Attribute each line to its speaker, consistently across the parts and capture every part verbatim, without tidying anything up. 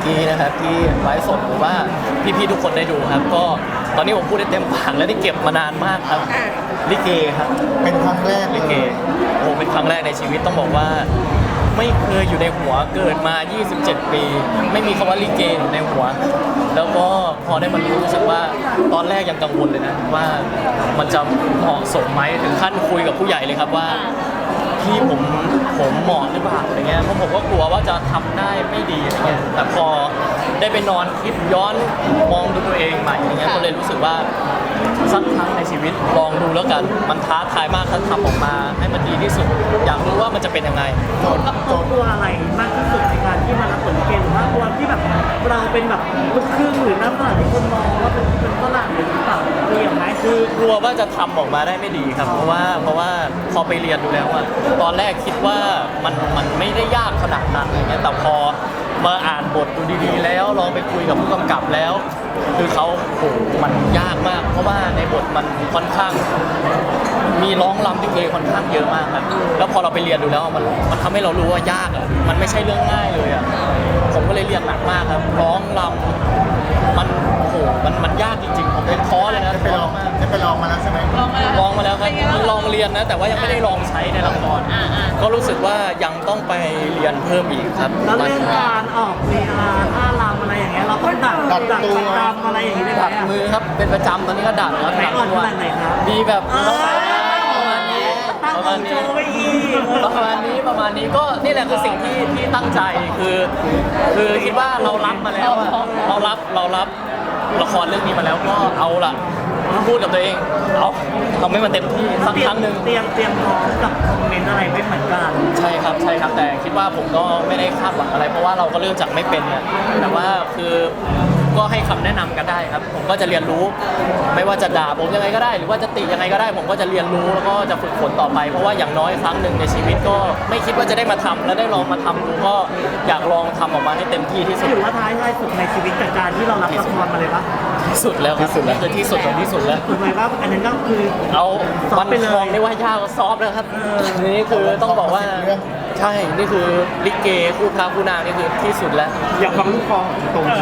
Speaker 1: กี้นะครับที่ไลฟ์สดหรือว่าพี่ๆทุกคนได้ดูครับก็ตอนนี้ผมพูดได้เต็มปากและได้เก็บมานานมากครับลิเกครับ
Speaker 2: เป็นครั้งแรก
Speaker 1: ลิเกโอ้เป็นครั้งแรกในชีวิตต้องบอกว่าไม่เคยอยู่ในหัวเกิดมา ยี่สิบเจ็ด ปี ไม่มีคำว่าลิเกอยู่ในหัว แล้วก็พอได้มารู้รู้สึกว่าตอนแรกยังกังวลเลยนะว่ามันจะเหมาะสมไหมถึงขั้นคุยกับผู้ใหญ่เลยครับว่าพี่ผมผมเหมาะหรือเปล่าอะไรเงี้ยเพราะผมก็กลัวว่าจะทำได้ไม่ดีอะไรเงี้ยแต่พอได้ไปนอนคิดย้อนมองดูตัวเองใหม่อะไรเงี้ยก็เลยรู้สึกว่าสักครั้งในชีวิตลองดูแล้วกันมันท้าทายมากถ้าทำออกมาให้มันดีที่สุดอยากรู้ว่ามันจะเป็นยังไง
Speaker 2: โจทย์โจทย์
Speaker 3: กลัวอะไรมากที่สุดในการที่มารับบทลิเกหรือว่ากลัวที่แบบเราเป็นแบบลูกครึ่งหรือหน้าฝรั่งที่คนมองว่าเป็นเป็นฝรั่งหรือเปล่าเรียกไหม
Speaker 1: คือกลัวว่าจะทำออกมาได้ไม่ดีครับเพราะว่าเพราะว่าพอไปเรียนดูแล้วอะตอนแรกคิดว่ามันมันไม่ได้ยากขนาดนั้นอะไรเงี้ยแต่พอมาอ่านบทดูดีๆแล้วลองไปคุยกับผู้กำกับแล้ว คือเขาโหมันยากมาก เพราะว่าในบทมันค่อนข้าง มีร้องรำลิเกค่อนข้างเยอะมากครับแล้วพอเราไปเรียนดูแล้วมันมันทำให้เรารู้ว่ายากอะมันไม่ใช่เรื่องง่ายเลยอะผมก็เลยเรียนหนักมากครับร้องรำมันโหมันมันยากจริงๆผมเป็นท้อเลยนะ
Speaker 2: ได้ไปลองได้ไปลองมาแล้วใช่ไหม
Speaker 1: ลองมาแล้วครับลองเรียนนะ แต่ว่ายังไม่ได้ลองใช้ในละครก็รู้สึกว่ายังต้องไปเรียนเพิ่มอีกครับ
Speaker 3: แล้วเรื่องการออกลีลาท่ารำอะไรอย่างเงี้ยเราต้องดัดดัดดัดตามอะไรอย่างงี้ได้ไหม
Speaker 1: ดัดมือครับเป็นประจำตอนนี้ก็ดัดแล้ว
Speaker 3: ไหน
Speaker 1: ดัด
Speaker 3: อ่อน
Speaker 1: ตัว
Speaker 3: ขนาดไหนครับ
Speaker 1: มีแบบ
Speaker 3: เออ
Speaker 1: ประมาณนี้
Speaker 3: ตั้ง
Speaker 1: ประ
Speaker 3: ข
Speaker 1: มา
Speaker 3: อ
Speaker 1: ณ
Speaker 3: งโจ
Speaker 1: นี้
Speaker 3: ไว้อีก
Speaker 1: ประมาณนี้ประมาณนี้ก็นี่แหละคือสิ่งที่ที่ตั้งใจคือคือคิดว่าเรารับมาแล้วอะเรารับเรารับละครเรื่องนี้มาแล้วก็เอาล่ะพูดกับตัวเองเอาทำให้มันเต็มที่สักครั้งหนึ่ง
Speaker 3: เตรียมเตรียมพร้อมกับคอมเมนต์อะไรไว้เหมือนกัน
Speaker 1: ใช่ครับใช่ครับแต่คิดว่าผมก็ไม่ได้คาดหวังอะไร เพราะว่าเราก็เริ่มจากไม่เป็นนะแต่ว่าคือก็ให้คำแนะนำกันได้ครับ ผมก็จะเรียนรู้ ไม่ว่าจะด่าผมยังไงก็ได้ หรือว่าจะติยังไงก็ได้ ผมก็จะเรียนรู้แล้วก็จะฝึกฝนต่อไป เพราะว่าอย่างน้อยครั้งหนึ่งในชีวิตก็ไม่คิดว่าจะได้มาทำและได้ลองมาทำดูก็อยากลองทำออกมาให้เต็มที่ที่สุด
Speaker 3: ถือว่าท้ายท้ายสุดในชีวิตจากการที่เรารับละครมาเลยปะ
Speaker 1: ที่สุดแล้วครับนี่คือที่สุดของที่สุดแล้ว
Speaker 3: ถูกไหมว่าอันนั้นก็คือ
Speaker 1: เอาวัน
Speaker 3: ไปเลย
Speaker 1: ทองนี่ว่ายากกว่าซอฟต์แล้วครับนี่คือต้องบอกว่าใช่นี่คือลิเกคู่พระคู่นางนี่คือที่สุดแล้ว
Speaker 2: อยากฟังลูกคอตรงเลย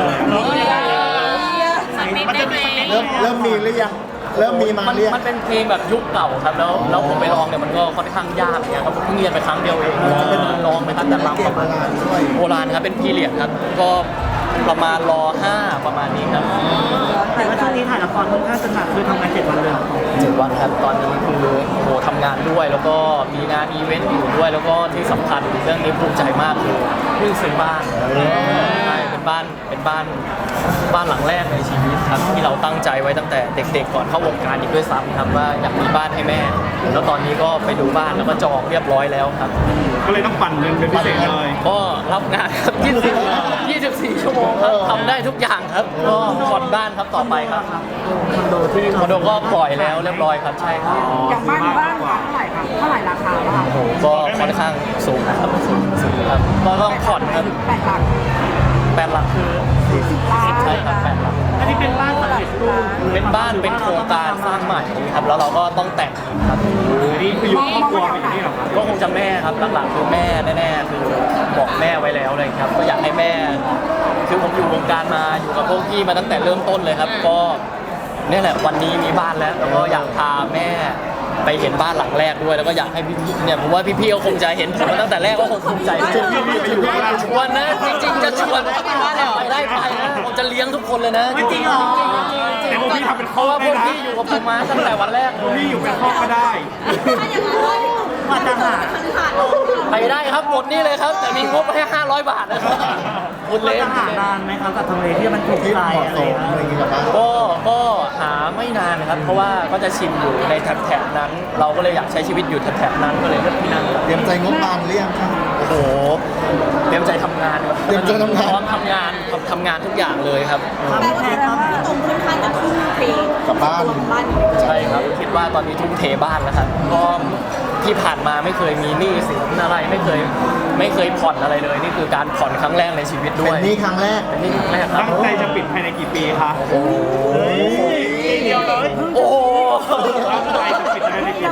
Speaker 3: มันจะมี
Speaker 2: เริ่มเริ่มมีหรือยังเริ่มมีมา
Speaker 1: มัน
Speaker 2: หรือยัง
Speaker 1: มันเป็นเพลงแบบยุคเก่าครับแล้วแล้วผมไปลองเนี่ยมันก็ค่อนข้างยากเนี่ยครับผมเพิ่งเรียนไปครั้งเดียวเองแล้วเป็นลองไปตั้งแต่ลำประมาณโบราณครับเป็นพีเรียดครับก็ประมาณรอห้าประมาณนี้ครับ
Speaker 3: แต่ว่าช่วงนี้ถ่ายละครค่อนข้างจะหนักคือทำงานเจ็ดวันเลย
Speaker 1: เจ็ดวันครับตอนนี้คือโหทำงานด้วย แล้วก็มีงานอีเวนต์อยู่ด้วย แล้วก็ที่สำคัญเรื่องนี้ภูมิใจมากคือเพิ่งซื้อบ้านใช่เป็นบ้านเป็นบ้านบ้านหลังแรกในชีวิตครับที่เราตั้งใจไว้ตั้งแต่เด็กๆก่อนเข้าวงการอีกด้วยซ้ำครับว่าอยากมีบ้านให้แม่ แล้วตอนนี้ก็ไปดูบ้านแล้วก็จองเรียบร้อยแล้วครับ
Speaker 4: ก็เลยต้องปั่นเงินเป็นพิเศษเลย
Speaker 1: ก็รับงานครับยี่สิบสี่ชั่วโมงครับทำได้ทุกอย่างครับก็ผ่อนบ้านครับต่อไปครับ
Speaker 3: คอนโดที่
Speaker 1: คอนโดก็ปล่อยแล้วเรียบร้อยครับใช่ครับ
Speaker 5: อย่างบ้านบ้านเท่าไหร่คะเท่าไหร่ราคาบ้าง
Speaker 1: โอ้โหก็ค่อนข้างสูงนะครับสูงสูงครับก็ต้องผ่อนครับ
Speaker 5: แปดหลัก
Speaker 1: แปดหลักคือ
Speaker 5: ล้าน
Speaker 1: ใช่ครับแปดหลัก
Speaker 3: อันนี้เป็นบ้านสำเร็จรูป
Speaker 1: เป็นบ้านเป็นโครงการสร้างใหม่ครับแล้วเราก็ต้องแต่งครับ
Speaker 4: นี่คืออยู่ครอบครัวเป็นอย่างนี้เหรอครับ
Speaker 1: ก็คงจะแม่ครับหลักๆคือแม่แน่ๆคือบอกแม่ไว้แล้วเลยครับก็อยากให้แม่ คือผมอยู่วงการมาอยู่กับพวกพี่มาตั้งแต่เริ่มต้นเลยครับ ก็เนี่ยแหละวันนี้มีบ้านแล้วแล้วก็อยากพาแม่ไปเห็นบ้านหลังแรกด้วย แล้วก็อยากให้พี่ๆเนี่ยผมว่าพี่ๆก็คงจะเห็นผมมาตั้งแต่แรกก็คงภูมิใจชวนพี่ๆไปอยู่บ้านชวนนะจริงๆจะชวนไปได้ไปนะผมจะเลี้ยงทุกคนเลยนะ
Speaker 3: ไม่จริงเหรอ
Speaker 4: แต่พวกพี่ทำเป็น
Speaker 1: เพ
Speaker 4: ครอ
Speaker 1: ราะ
Speaker 4: บ
Speaker 1: ว่าพ
Speaker 4: ได้
Speaker 1: วก
Speaker 4: นะ
Speaker 1: พี่อยู่กับผมมาตั้งแต่วันแรก
Speaker 4: พวกพี่อยู่เป็นครอบก็ได้
Speaker 3: ว่าจะหา
Speaker 1: ไปได้ครับหมดนี่เลยครับ แต่มีงบแค่ห้าร้อยบาทนะครับคุณ
Speaker 3: ว่า
Speaker 1: เล่น
Speaker 3: จะหานานไหมครับกับทำเลที่มันถูก
Speaker 2: ที่
Speaker 3: ใจ
Speaker 2: เหมาะ
Speaker 3: อะไร
Speaker 2: สม
Speaker 3: นะ
Speaker 2: อะไรอย่างเงี้ยกับบ้าน
Speaker 1: ก็ก็หาไม่นานครับ เพราะว่าก็จะชินอยู่ในแถบๆนั้น เราก็เลยอยากใช้ชีวิตอยู่แถบๆนั้นก็เลยเลือกที่นั่นครับ
Speaker 2: เตรียมใจงบบานหรือยังครับ
Speaker 1: โอ้โหเตรียมใจทำงานครับ
Speaker 2: เตรียมใจทำงาน
Speaker 1: พร้อมทำงานทำทำงานทุกอย่างเลยครับ
Speaker 3: ความ
Speaker 5: แปลว่า
Speaker 3: แพ
Speaker 5: แส
Speaker 3: ง
Speaker 5: ด
Speaker 3: ค
Speaker 5: ง
Speaker 3: รับ
Speaker 5: ว่าตรงค่อนข้างจะทุ่มเท
Speaker 2: กับบ้าน
Speaker 5: ตัวของบ้าน
Speaker 1: ใช่ครับคิดว่าตอนนี้ทุ่มเทบ้านแล้วครับก็ที่ผ่านมาไม่เคยมีหนี้สินอะไรไม่เคยไม่เคยผ่อนอะไรเลย นี่คือการผ่อนครั้งแรกในชีวิตด้
Speaker 2: เป็
Speaker 1: วน ย
Speaker 2: นี่ครั้งแรก
Speaker 1: เป็นหนี่ครั้งแรกครับ
Speaker 4: ตั้งใจจะปิดภายในกี่ปีคะ
Speaker 1: โอ้โห
Speaker 4: ปีเดียวเลย
Speaker 1: โอ้โห
Speaker 4: ตั้งใจจะปิดภายในกี่ปีคะ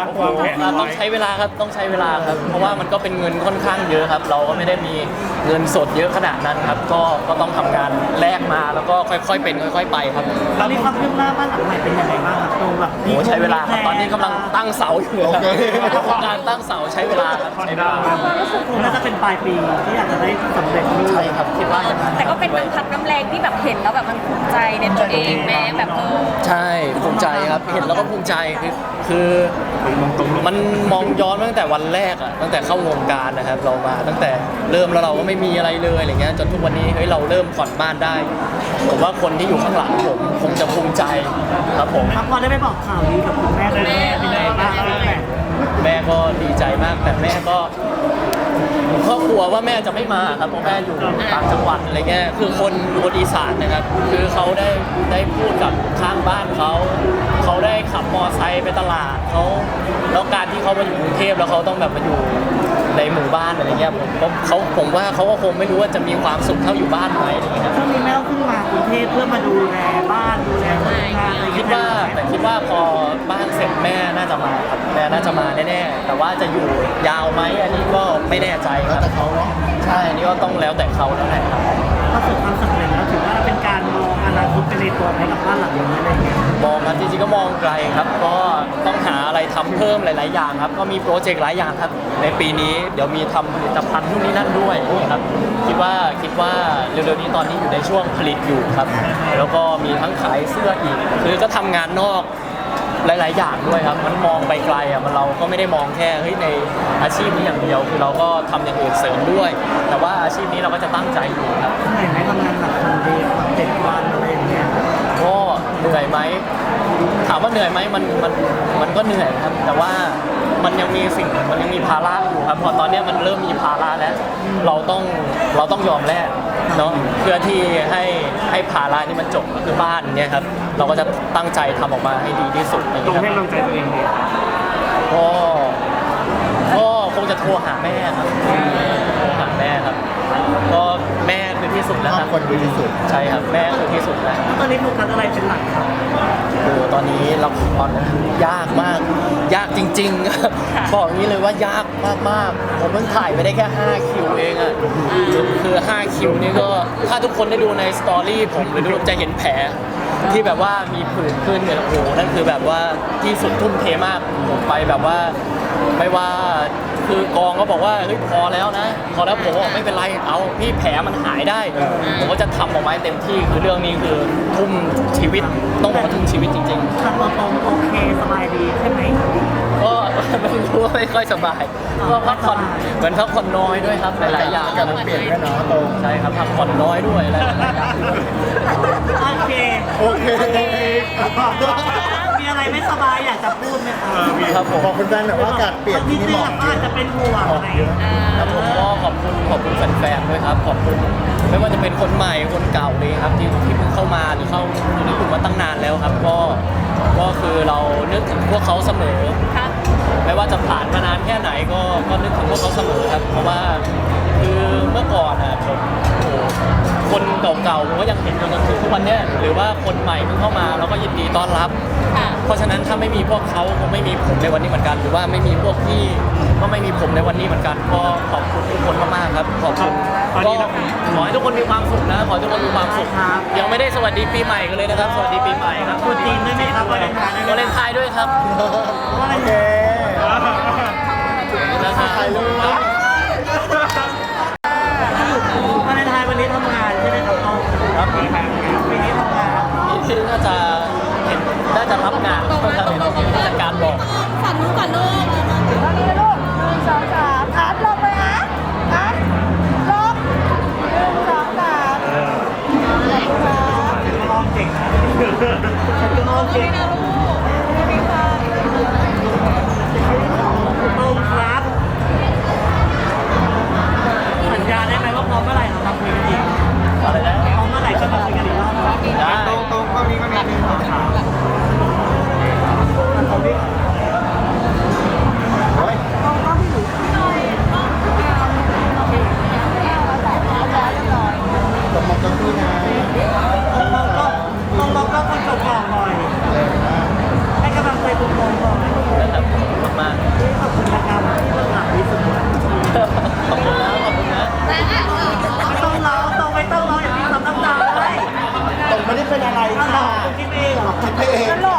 Speaker 4: คะวางแผน
Speaker 1: อ่า
Speaker 4: ไว้
Speaker 1: ต้องใช้เวลาครับต้องใช้เวลาครับ เพราะว่ามันก็เป็นเงินค่อนข้างเยอะครับ เราก็ไม่ได้มีเงินสดเยอะขนาดนั้นครับ ก็ก็ต้องทำงานแลกมาแล้วก็ค่อยๆเป็นค่อย ๆ ไปครับ
Speaker 3: ตอนนี้ความคืบหน้าบ้านหลังใหม่เป็นยังไงบ้างครับตรงแบบ
Speaker 1: โอ้ใช้เวลาครับตอนนี้กำลังตั้งเสาอยู่เลยครับโครงการตั้งเสาใช้เวลาครับใช้เวลา
Speaker 3: คงน่าจะเป็นปลายปีที่อยากจะได้สำเร็จรูป
Speaker 1: ใช่ครับคิดว่าอย่างนั้น
Speaker 5: แต่ก็เป็นน้ำพักน้ำแรงที่แบบเห็นแล้วแบบมันภูมิใจในตัวเองแม้แบบเออ
Speaker 1: ใช่ภูมิใจครับเห็นแล้วก็ภูมิใจคือคือมันมองย้อนมาตั้งแต่วันแรกอะตั้งแต่เข้าวงการนะครับ เรามาตั้งแต่เริ่มแล้วเราก็ไม่มีอะไรเลยอะไรเงี้ยจนทุกวันนี้เฮ้ยเราเริ่มผ่อนบ้านได้ผมว่าคนที่อยู่ข้างหลังผมคงจะภูมิใจครับผม
Speaker 3: ครับพอได้ไปบอกข่าวดีกับคุณแม่เลยเป็นยังไงบ้างแม่
Speaker 1: แม่ก็ดีใจมากแต่แม่ก็ผมก็กลัวว่าแม่จะไม่มาครับเพราะแม่อยู่ต่างจังหวัดอะไรเงี้ยคือคนคนอีสานนะครับ คือเขาได้ได้พูดกับข้างบ้านเขาเขาได้ขับมอไซค์ไปตลาดเขาแล้วการที่เขามาอยู่กรุงเทพแล้วเขาต้องแบบมาอยู่ในหมู่บ้านอะไรเงี้ยผมผมเขาผมว่าเขาก็คงไม่รู้ว่าจะมีความสุขเท่าอยู่บ้านไหมอะไรเงี้ยครับ
Speaker 3: ช่วงนี้แม่ต้องขึ้นมากรุงเทพเพื่อมาดูแลบ้านดูแลคนงานอะไรอย่าง
Speaker 1: คิ
Speaker 3: เงี้
Speaker 1: ด
Speaker 3: ย
Speaker 1: ว่าแต่คิดว่าพอบ้านเสร็จแม่น่าจะมาครับแม่น่าจะมาแน่ๆแต่ว่าจะอยู่ยาวไหมอันนี้ก็ไม่แน่ใจค
Speaker 2: แล้ว
Speaker 1: รับ
Speaker 2: แต่เขาเนาะ
Speaker 1: ใช่อันนี้ก็ต้องแล้วแต่เขาแล้วแหละครับ
Speaker 3: ประสบความสำเร็จแล้วถือว่าเป็นการมองอนาคตไปในตัวให้กับบ้านหลังนี้อะไรอย่างเงี้ย
Speaker 1: มองครับจริงๆก็มองไกลครับ ก็ต้องหาอะไรทำเพิ่มหลาย ๆ อย่างครับ ก็มีโปรเจกต์หลายอย่างครับ ในปีนี้เดี๋ยวมีทำผลิตภัณฑ์นู่นนี่นั่นด้วยครับ คิดว่าคิดว่าเร็ว ๆ นี้ตอนนี้อยู่ในช่วงผลิตอยู่ครับ แล้วก็มีทั้งขายเสื้ออีก คือก็ทำงานนอกหลาย ๆ อย่างด้วยครับ มันมองไปไกลอ่ะมันเราก็ไม่ได้มองแค่เฮ้ยในอาชีพนี้อย่างเดียว คือเราก็ทำอย่างอื่นเสริมด้วย แต่ว่าอาชีพนี้เราก็จะตั้งใจอยู่ครับ
Speaker 3: เหนื่อยไหมทำงานหนักทำดีแบบเจ็ดวันอะไรอย่างเงี้ย
Speaker 1: ก็เหนื่อยไหมถามว่าเหนื่อยไหมมันมันมันก็เหนื่อยครับ แต่ว่ามันยังมีสิ่งมันยังมีภาระอยู่ครับพอตอนเนี้ยมันเริ่มมีภาระแล้ว เราต้องเราต้องยอมแลกเนาะเพื่อที่ให้ให้ภาระนี่มันจบก็คือบ้านเนี่ยครับเราก็จะตั้งใจทำออกมาให้ดีที่สุดอย่าง
Speaker 4: ตรง
Speaker 1: เงี้ยค
Speaker 4: ให้
Speaker 1: รับ
Speaker 4: กำลังใจตัวเองดี
Speaker 1: ก็ก็คงจะโทรหาแม่ครับโทรหาแม่ครับ ก็แม่คือที่สุด
Speaker 2: ค
Speaker 1: แล้ว
Speaker 2: รอ
Speaker 1: ค
Speaker 2: บ
Speaker 1: รับ
Speaker 2: คนดีที่สุด
Speaker 1: ใช่ครับแม่คือที่สุดแล้ว
Speaker 3: ตอนนี้โฟกัสอะไรเป็นหลักครับ
Speaker 1: โอ้โหตอนนี้ละครยากมาก ยากจริงๆครับ บอกอย่างนี้เลยว่ายากมากๆ ผมเพิ่งถ่ายไปได้แค่ห้าคิวเองอะคือห้าคิวนี่ก็ถ้าทุกคนได้ดูในสตอรี่ผมหรือดูจะเห็นแผลที่แบบว่ามีผื่นขึ้นเนี่ยโอ้โหนั่นคือแบบว่าที่สุดทุ่มเทมากผมไปแบบว่าไม่ว่าคือกองก็บอกว่าเฮ้ยพอแล้วนะ พอแล้วผมบอกไม่เป็นไรเอาพี่แผลมันหายได้ ผมก็จะทำออกมาให้เต็มที่คือเรื่องนี้คือทุ่มชีวิตต้องบอกว่าทุ่มชีวิตจริง ๆ
Speaker 3: ทำตัวตรงโอเคสบายดีใช่ไหม
Speaker 1: ก็ ไม่รู้ว่าไม่ค่อยสบาย ก็พักผ่อนเหมือนพักผ่อนน้อยด้วยครับหลายๆอย่าง
Speaker 2: กับมันเปลี่ยนด้วยเนาะตรง
Speaker 1: ใช่ครับพักผ่อนน้อยด้วยอะไรหลายๆอย่าง
Speaker 3: โอเค
Speaker 2: โอเค
Speaker 3: มีอะไรไม่สบายอยากจะพูดไหมครับ
Speaker 1: ครับผม
Speaker 2: บอกคุณแฟนหน่อยว่าอากาศเปลี่ยนที่
Speaker 3: ที่
Speaker 2: นี่
Speaker 3: นี่
Speaker 2: หมอก
Speaker 3: ก็
Speaker 2: เย
Speaker 3: อาจ
Speaker 2: อะ
Speaker 3: จะเป็นห่วง
Speaker 2: หมอ
Speaker 3: อะ
Speaker 2: ก
Speaker 3: ไร
Speaker 2: เยอะ
Speaker 1: ครับผมก็ขอบคุณขอบคุณแฟนๆด้วยครับ ขอบคุณไม่ว่าจะเป็นคนใหม่คนเก่าเลยครับที่ที่เพิ่งเข้ามาหรือเข้าอยู่ในกลุ่มมาตั้งนานแล้วครับ ก็ก็คือเรานึกถึงพวกเขาเสมอ
Speaker 5: ครับ
Speaker 1: ไม่ว่าจะผ่านมานานแค่ไหนก็ก็นึกถึงพวกเขาเสมอครับ เพราะว่าคือเมื่อก่อนอ่ะผมโอ้โหคนเก่าๆผมก็ยังเห็นจนถึงทุกวันเนี้ยหรือว่าคนใหม่เพิ่งเข้ามาเราก็ยินดีต้อนรับ
Speaker 5: ค่ะ
Speaker 1: เพราะฉะนั้นถ้าไม่มีพวกเขาคงไม่มีผมในวันนี้เหมือนกัน หรือว่าไม่มีพวกพี่ก็ไม่มีผมในวันนี้เหมือนกันก็ขอบคุณทุกคนมากๆครับขอบคุณ
Speaker 4: ตอนนี้
Speaker 1: ก็
Speaker 4: เรา
Speaker 1: ขอให้ทุกคนมีความสุขนะขอให้ทุกคนมีความสุขยังไม่ได้สวัสดีปีใหม่กันเลยนะครับ สวัสดีปีใหม่ครับ
Speaker 3: พูดจีนด้วยไหมครับวาเลนไทน์
Speaker 1: วาเลนไทน์ด้วยครับ
Speaker 2: โอเค
Speaker 1: นะครับ
Speaker 2: ถ่ายรูปนะ
Speaker 3: วาเลนไทน์วันนี้ทำงานใช่ไหมครับน้อง
Speaker 1: ครับ
Speaker 3: ปีนี้ทำงาน
Speaker 1: ปีที่น่าจะเห็นน่าจะรับงานเพราะเห็นผู้จัดการบอก
Speaker 5: ฝั่งนู้นก่อนลูก
Speaker 6: ตอนนี้ลูกหนึ่งสองสามอาร์ตลงไปนะอาร์ตลงหนึ่งสองสามขอบคุณครับ
Speaker 3: น้องเก่งน้องเก่งตรงครับ สัญญาได้ไหมว่าพร้อมเมื่อไหร่เราทำคุยกันอีก
Speaker 1: อะไรนะ
Speaker 3: พร้อมเมื่อไหร่ก็มาคุยกันอีกรอบ
Speaker 1: ได้
Speaker 2: ตรงตรงก็มีก็มีหนึ่งสองสามโอ้ยตบมือตบมือนะ
Speaker 3: มองก็มองก็คนจบก่อนหน่อย
Speaker 2: เออ
Speaker 6: งั้นรอ